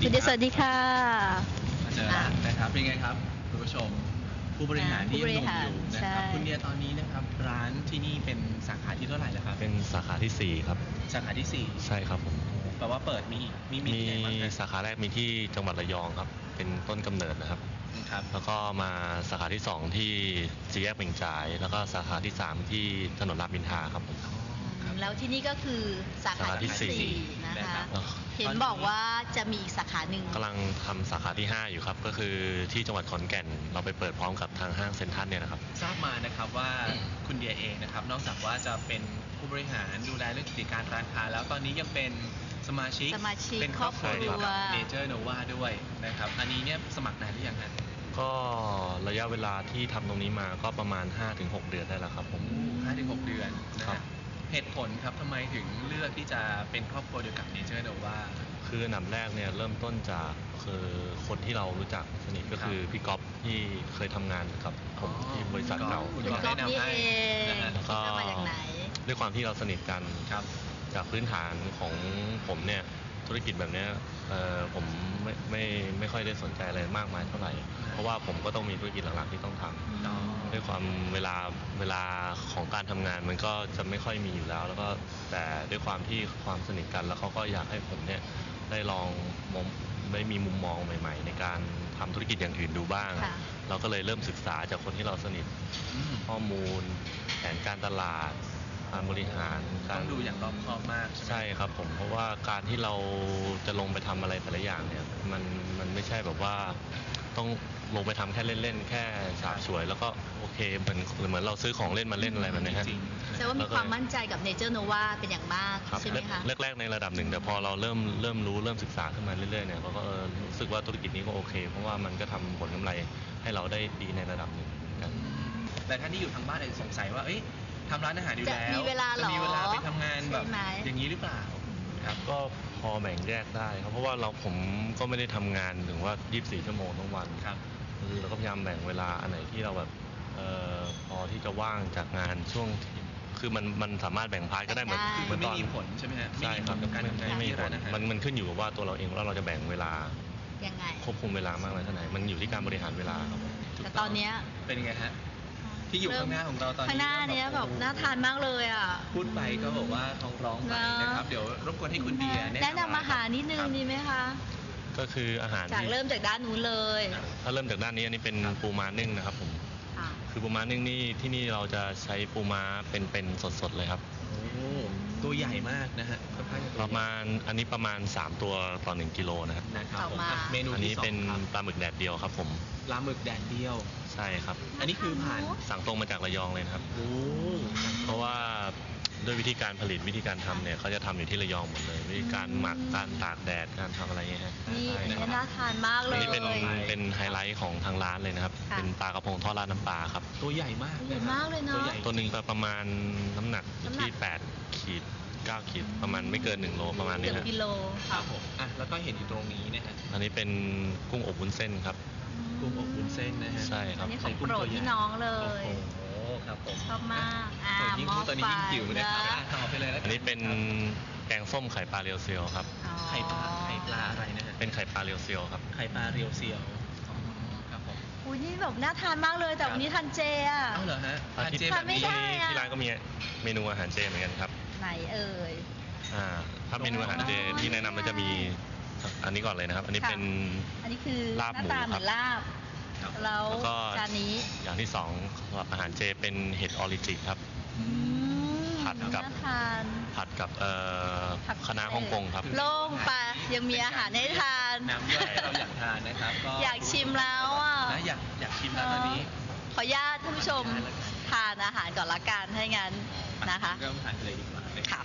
คุณเดชสวัสดีค่ะมาเจอแล้วนะครับเป็นไงครับคุณผู้ชมผู้บริหารที่ยังหนุ่มอยู่นะครับคุณเดียตอนนี้นะครับร้านที่นี่เป็นสาขาที่เท่าไหร่แล้วครับเป็นสาขาที่4ครับสาขาที่4 ใช่ครับผมแปลว่าเปิดมีที่ไหนบ้างสาขาแรกมีที่จังหวัดระยองครับเป็นต้นกำเนิดนะครับแล้วก็มาสาขาที่2ที่สี่แยกเป่งจ่ายแล้วก็สาขาที่3ที่ถนนรามอินทราครับผมแล้วที่นี่ก็คือสาขาที่4นะคะเห็นบอกว่าจะมีอีกสาขาหนึ่งกำลังทำสาขาที่5อยู่ครับก็คือที่จังหวัดขอนแก่นเราไปเปิดพร้อมกับทางห้างเซ็นทรัลเนี่ยนะครับทราบมานะครับว่าคุณเดียเองนะครับนอกจากว่าจะเป็นผู้บริหารดูแลเรื่องกิจการร้านค้าแล้วตอนนี้ยังเป็นสมาชิกเป็นครอบครัวเดียวกับเนเจอร์โนวาด้วยนะครับอันนี้เนี่ยสมัครนานหรือยังฮะก็ระยะเวลาที่ทำตรงนี้มาก็ประมาณ 5-6 เดือนได้แล้วครับผม 5-6 เดือนนะครับเหตุผลครับทำไมถึงเลือกที่จะเป็นครอบครัวเดียวกับเนเจอร์โนวาคืออันดับแรกเนี่ยเริ่มต้นจากคือคนที่เรารู้จักสนิทก็คือพี่ก๊อฟที่เคยทำงานกับผมที่บริษัทเก่าคุณก๊อฟนี่เองแล้วก็ด้วยความที่เราสนิทกันจากพื้นฐานของผมเนี่ยธุรกิจแบบนี้ผมไม่ค่อยได้สนใจอะไรมากมายเท่าไหร่เพราะว่าผมก็ต้องมีธุรกิจหลักๆที่ต้องทำด้วยความเวลาของการทำงานมันก็จะไม่ค่อยมีอยู่แล้วแล้วก็แต่ด้วยความที่ความสนิทกันแล้วเขาก็อยากให้ผมเนี่ยได้ลองได้มีมุมมองใหม่ๆในการทำธุรกิจอย่างอื่นดูบ้างเราก็เลยเริ่มศึกษาจากคนที่เราสนิทข้อมูลแผนการตลาดการบริหารต้องดูอย่างรอบคอบมากใช่ครับผมเพราะว่าการที่เราจะลงไปทำอะไรแต่ละอย่างเนี่ยมันไม่ใช่แบบว่าต้องลงไปทำแค่เล่นๆแค่ฉาบฉวยแล้วก็โอเคเหมือนเราซื้อของเล่นมาเล่นอะไรแบบนี้ฮะแสดงว่ามีความมั่นใจกับเนเจอร์โนวาเป็นอย่างมากใช่ไหมคะแรกๆในระดับหนึ่งแต่พอเราเริ่มรู้เริ่มศึกษาขึ้นมาเรื่อยๆเนี่ยเราก็รู้สึกว่าธุรกิจนี้ก็โอเคเพราะว่ามันก็ทำผลกำไรให้เราได้ดีในระดับหนึ่งกันแต่ท่านที่อยู่ทางบ้านอาจจะสงสัยว่าทำร้านอาหารอยู่แล้วจะมีเวลาไปทำงานแบบอย่างนี้หรือเปล่าครับก็พอแบ่งแยกได้ครับเพราะว่าผมก็ไม่ได้ทำงานถึงว่า24 ชั่วโมงทั้งวันครับเราก็พยายามแบ่งเวลาอันไหนที่เราแบบพอที่จะว่างจากงานช่วงคือมันสามารถแบ่งพาร์ทก็ได้เหมือนไม่มีผลใช่ไหมฮะใช่ครับไม่มีผลมันขึ้นอยู่กับว่าตัวเราเองว่าเราจะแบ่งเวลายังไงควบคุมเวลามากน้อยเท่าไหร่มันอยู่ที่การบริหารเวลาครับแต่ตอนนี้เป็นยังไงฮะที่อยู่ข้างหน้าของเราตอนนี้ข้างหน้านี้แบบน่าทานมากเลยอ่ะพูดไปก็บอกว่าท้องร้องไปนะครับเดี๋ยวรบกวนให้คุณเดียแนะนำอาหารนิดนึงดีไหมคะก็คืออาหารจากเริ่มจากด้านนู้นเลยถ้าเริ่มจากด้านนี้อันนี้เป็นปูม้านึ่งนะครับผมคือปูม้านึ่งนี่ที่นี่เราจะใช้ปูม้าเป็นสดๆเลยครับตัวใหญ่มากนะฮะประมาณอันนี้ประมาณ3ตัวต่อ1 กิโลนะครับเมนูอันนี้เป็นปลาหมึกแดดเดียวครับผมปลาหมึกแดดเดียวใช่ครับอันนี้คือผ่านสั่งตรงมาจากระยองเลยครับเพราะว่าด้วยวิธีการผลิตวิธีการทำเนี่ยเขาจะทำอยู่ที่ระยองหมดเลยวิธีการหมักการตากแดดการทำอะไรเงี้ยฮะนี่น่าทานมากเลยอันนี้เป็นไฮไลท์ของทางร้านเลยนะครับเป็นปลากระพงทอดราดน้ำปลาครับตัวใหญ่มากใหญ่มากเลยเนาะตัวหนึ่งประมาณน้ำหนักที่8 ขีด 9 ขีดประมาณไม่เกิน1 โลประมาณนี้ครับกิโลครับผมแล้วก็เห็นอยู่ตรงนี้นะฮะอันนี้เป็นกุ้งอบวุ้นเส้นครับกุ้งอบวุ้นเส้นนะฮะใช่ครับอันนี้ของโปรดพี่น้องเลยครับผมชอบมากยิ่งพูดตอนนี้ยิ่งหิวนะครับต่อไปเลยแล้วอันนี้เป็นแกงส้มไข่ปลาเรียวเซียวครับไข่ปลาอะไรนะฮะเป็นไข่ปลาเรียวเซียวครับไข่ปลาเรียวเซียวครับผมอุ้ยนี่แบบน่าทานมากเลยแต่วันนี้ทานเจอ่ะเหรอฮะทานเจแบบนี้ที่ร้านก็มีเมนูอาหารเจเหมือนกันครับไหนเอ่ยถ้าเมนูอาหารเจที่แนะนำมันจะมีอันนี้ก่อนเลยนะครับอันนี้เป็นคือลาบหมูครับลาบแล้วก็จานนี้อย่างที่2สำหรับอาหารเจเป็นเห็ดออริจิครับผัดกับคณะฮ่องกงครับโล่งไปยังมีอาหารให้ทานน้ำย่อยเราอยากทานนะครับก็อยากชิมแล้วอ่ะอยากชิมแล้วตอนนี้ขออนุญาตท่านผู้ชมทานอาหารก่อนละกันให้งั้นนะคะเริ่มทานเลยดีกว่าค่ะ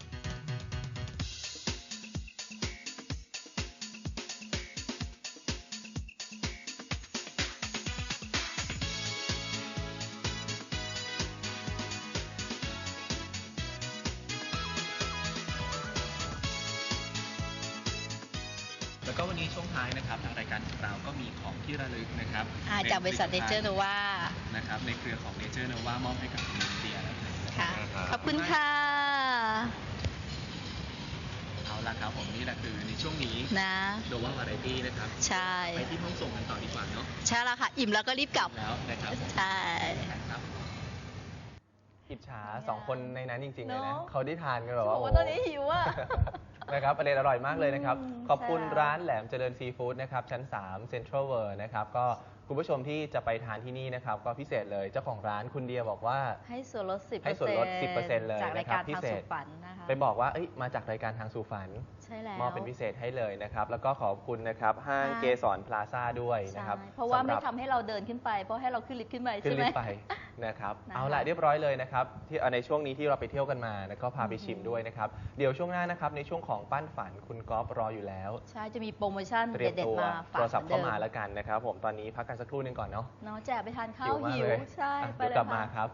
แล้วก็วันนี้ช่วงท้ายนะครับทางรายการของเราก็มีของที่ระลึกนะครับจากบริษัทเนเจอร์โนวานะครับในเครือของเนเจอร์โนวามอบให้กับคุณเดียค่ะขอบคุณค่ะเอาละครับผมนี่แหละคือในช่วงนี้นะโนวาวาไรตี้นะครับใช่ไปที่ห้องส่งกันต่อดีกว่าเนาะใช่แล้วค่ะอิ่มแล้วก็รีบกลับแล้วนะครับใช่ครับอิจฉา2 คนในนั้นจริงๆเลยนะเขาได้ทานกันแบบว่าว่าตอนนี้หิวอ่ะนะครับประเด็นอร่อยมากเลยนะครับขอบคุณร้านแหลมเจริญซีฟู้ดนะครับชั้น3 Central World นะครับก็คุณผู้ชมที่จะไปทานที่นี่นะครับก็พิเศษเลยเจ้าของร้านคุณเดียบอกว่าให้ส่วนลด 10% ให้ส่วนลด 10% เลยจากรายการทางสู่ฝันนะคะไปบอกว่ามาจากรายการทางสู่ฝันใช่แล้วมอบเป็นพิเศษให้เลยนะครับแล้วก็ขอบคุณนะครับห้างเกสรพลาซ่าด้วยนะครับเพราะว่าไม่ทำให้เราเดินขึ้นไปเพราะให้เราขึ้นลิฟต์ขึ้นไปใช่ไหมขึ้นลิฟต์ไปนะครับเอาละเรียบร้อยเลยนะครับที่ในช่วงนี้ที่เราไปเที่ยวกันมาแล้วก็พาไปชิมด้วยนะครับเดี๋ยวช่วงหน้านะครับในช่วงของปั้นฝันคุณก๊อฟรออยู่แล้วใช่จะมีโปรโมชั่นเด็ดๆมาฝากโทรศัพท์เข้ามาแล้วกันนะครับผมตอนนี้พักกันสักครู่นึงก่อนเนาะแจกไปทานข้าวหิวใช่ไปเลยกลับมาครับ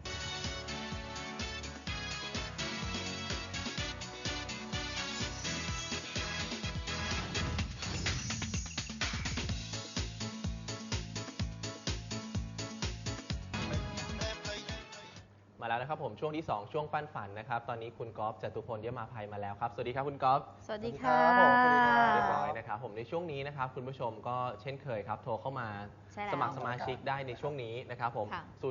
มาแล้วนะครับผมช่วงที่2ช่วงปั้นฝันนะครับตอนนี้คุณก๊อฟจตุพลเยี่ยมมาภัยมาแล้วครับสวัสดีครับคุณก๊อฟสวัสดีค่ะเรียบร้อยนะครับผมในช่วงนี้นะครับคุณผู้ชมก็เช่นเคยครับโทรเข้ามาสมัครสมาชิกได้ในช่วงนี้นะครับผม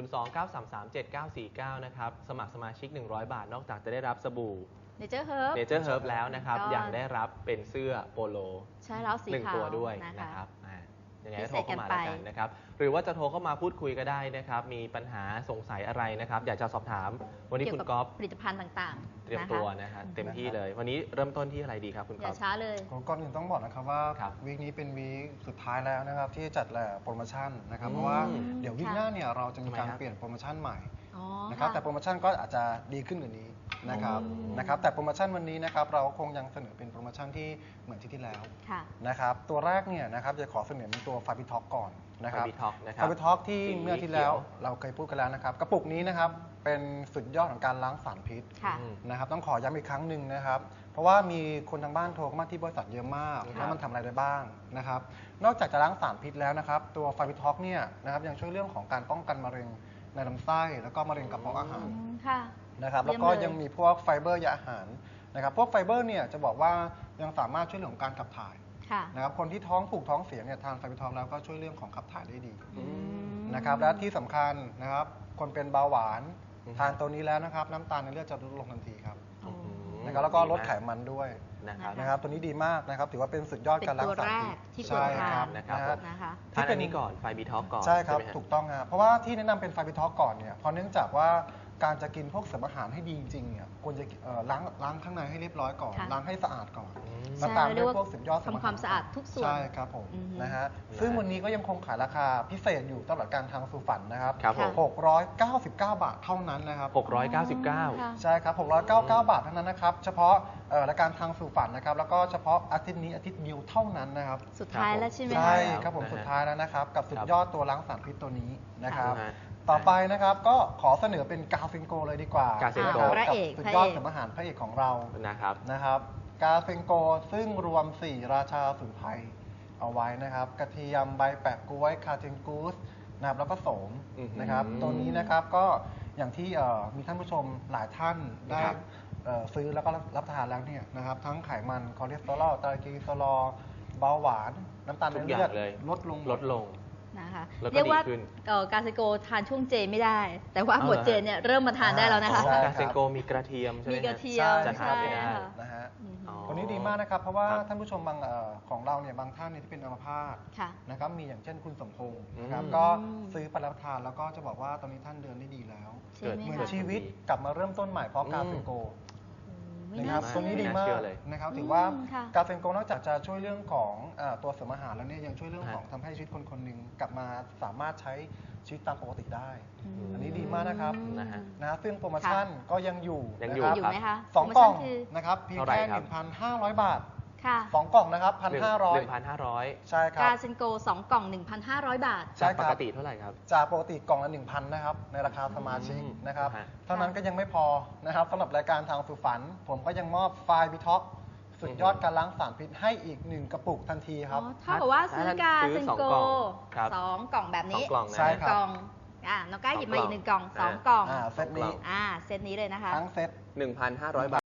029337949นะครับสมัครสมาชิก100 บาทนอกจากจะได้รับสบู่เนเจอร์เฮิร์บแล้วนะครับยังได้รับเป็นเสื้อโปโลใช่แล้วสีขาว 1 ตัวด้วยนะครับยังไงก็โทรเข้ามาแล้วกันนะครับหรือว่าจะโทรเข้ามาพูดคุยก็ได้นะครับมีปัญหาสงสัยอะไรนะครับอยากจะสอบถามวันนี้คุณก๊อฟผลิตภัณฑ์ต่างๆเตรียมตัวนะครับเต็มที่เลยวันนี้เริ่มต้นที่อะไรดีครับคุณก๊อฟอย่าช้าเลยก่อนอื่นต้องบอกนะครับว่าวีคนี้เป็นวีคสุดท้ายแล้วนะครับที่จัดแหล่โปรโมชั่นนะครับเพราะว่าเดี๋ยววีคหน้าเนี่ยเราจะมีการเปลี่ยนโปรโมชั่นใหม่นะครับแต่โปรโมชั่นก็อาจจะดีขึ้นกว่านี้นะครับแต่โปรโมชั่นวันนี้นะครับเราคงยังเสนอเป็นโปรโมชั่นที่เหมือนที่แล้วนะครับตัวแรกเนี่ยนะครับจะขอเสนอเป็นตัวฟาบิท็อกก่อนนะครับฟาบิท็อกที่เมื่อที่แล้วเราเคยพูดกันแล้วนะครับกระปุกนี้นะครับเป็นสุดยอดของการล้างสารพิษนะครับต้องขอย้ำอีกครั้งหนึ่งนะครับเพราะว่ามีคนทางบ้านโทรเข้ามาที่บริษัทเยอะมากว่ามันทำอะไรได้บ้างนะครับนอกจากจะล้างสารพิษแล้วนะครับตัวฟาบิท็อกเนี่ยนะครับยังช่วยเรื่องของการป้องกันมะเร็งในลำไส้แล้วก็มะเร็งกระเพาะอาหารนะครับแล้วก็ยังมีพวกไฟเบอร์ยาอาหารนะครับพวกไฟเบอร์เนี่ยจะบอกว่ายังสามารถช่วยเรื่องของการขับถ่ายนะครับคนที่ท้องผูกท้องเสียเนี่ยทานไฟเบอร์ท็อกแล้วก็ช่วยเรื่องของขับถ่ายได้ดีนะครับและที่สำคัญนะครับคนเป็นเบาหวานทานตัวนี้แล้วนะครับน้ำตาลในเลือดจะลดลงทันทีครับนะครับแล้วก็ลดไขมันด้วยนะครับตัวนี้ดีมากนะครับถือว่าเป็นสุดยอดการรักษาใช่ครับนะครับที่เป็นนี้ก่อนไฟบีท็อกก่อนใช่ครับถูกต้องครับเพราะว่าที่แนะนำเป็นไฟบีท็อกก่อนเนี่ยเพราะเนื่องจากว่าการจะกินพวกเสริมอาหารให้ดีจริงๆเนี่ยควรจะล้างข้างในให้เรียบร้อยก่อนล้างให้สะอาดก่อนแล้วตามด้วยพวกสุดยอดทำความสะอาดทุกส่วนใช่ครับผมนะฮะซึ่งวันนี้ก็ยังคงขายราคาพิเศษอยู่ตลอดการทางสู่ฝันนะครับ699 บาทเท่านั้นนะครับ 699 ใช่ครับ699 บาทเท่านั้นนะครับเฉพาะรายการทางสู่ฝันนะครับแล้วก็เฉพาะอาทิตย์นี้อาทิตย์เดียวเท่านั้นนะครับสุดท้ายแล้วใช่ไหมใช่ครับผมสุดท้ายแล้วนะครับกับสุดยอดตัวล้างสารพิษตัวนี้นะครับต่อไปนะครับก็ขอเสนอเป็นกาเฟนโกเลยดีกว่ากาเฟนโกกับสุดยอดเสริมอาหารพระเอกของเรานะครับกาเฟนโกซึ่งรวม4ราชาสมุนไพรเอาไว้นะครับกระเทียมใบแปะก๊วยคาเทนกูสนะครับแล้วก็โสมนะครับตัวนี้นะครับก็อย่างที่มีท่านผู้ชมหลายท่านได้ซื้อแล้วก็รับประทานแล้วเนี่ยนะครับทั้งไขมันคอเลสเตอรอลไตรกลีเซอรอลเบาหวานน้ำตาลในเลือดลดลงนะคะเรียกว่าการเซโกทานช่วงเจไม่ได้แต่ว่าหมดเจเนี่ยเริ่มมาทานได้แล้วนะคะการเซโกมีกระเทียมใช่ไหมมีกระเทียมจะทานไม่ได้นะฮะตัวนี้ดีมากนะครับเพราะว่าท่านผู้ชมบางของเราเนี่ยบางท่านที่เป็นอัมพาตนะครับมีอย่างเช่นคุณสมพงศ์นะครับก็ซื้อไปรับทานแล้วก็จะบอกว่าตอนนี้ท่านเดินได้ดีแล้วเหมือนชีวิตกลับมาเริ่มต้นใหม่เพราะการเซโกนะครับตรงนี้ดีมากนะครับถือว่ากาเฟนโกนอกจากจะช่วยเรื่องของตัวเสริมอาหารแล้วเนี่ยยังช่วยเรื่องของทำให้ชีวิตคนหนึ่งกลับมาสามารถใช้ชีวิตตามปกติได้อันนี้ดีมากนะครับนะซึ่งโปรโมชั่นก็ยังอยู่นะครับ 2 กล่องนะครับเพียงแค่ 1,500 บาท2 กล่องนะครับ 1,500 ใช่ครับกาเซนโก2 กล่อง 1,500 บาทจากปกติเท่าไหร่ครับจากปกติกล่องละ 1,000 นะครับในราคาสมาชิกนะครับเท่านั้นก็ยังไม่พอนะครับสำหรับรายการทางสู่ฝันผมก็ยังมอบไฟล์บิท็อกสุดยอดการล้างสารพิษให้อีก1 กระปุกทันทีครับเท่ากับว่าซื้อกาเซนโก2 กล่องแบบนี้ใช่ครับน้องก้าหยิบมาอีก1 กล่อง2 กล่องเซตนี้เซตนี้เลยนะคะทั้งเซต 1,500 บาท